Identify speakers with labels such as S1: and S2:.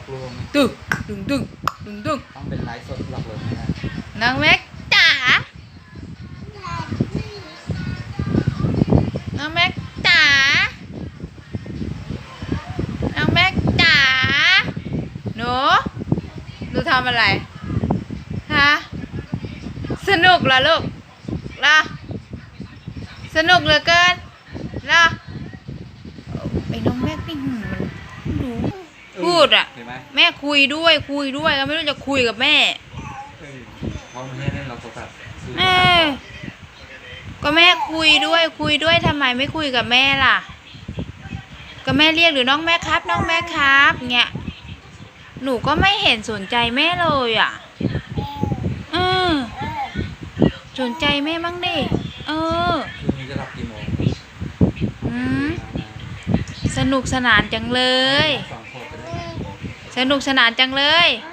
S1: ลวง
S2: ตึงตึงตึงตึงตึง
S1: ต้องเป็นไลฟ์สดหลอกลวงนะ
S2: น้องแม็กจ๋าน้องแม็กจ๋าน้องแม็กจ๋าหนูทำอะไรฮะสนุกเหรอลูกล่ะสนุกเหลือเกินล่ะไอ้น้องแม็กนี่มันรู้พูดอ่ะแม่คุยด้วยก็ไม่รู้จะคุยกับแม่
S1: เพราะแม่เล่นเราโทรศัพท์
S2: ก็แม่คุยด้วยทำไมไม่คุยกับแม่ล่ะก็แม่เรียกหรือน้องแม่ครับน้องแม่ครับเงี้ยหนูก็ไม่เห็นสนใจแม่เลยอ่ะสนใจแม่บ้างดิ
S1: คืนนี้จะหลับกี่โมง
S2: สนุกสนานจังเลยสนุกสนานจังเลย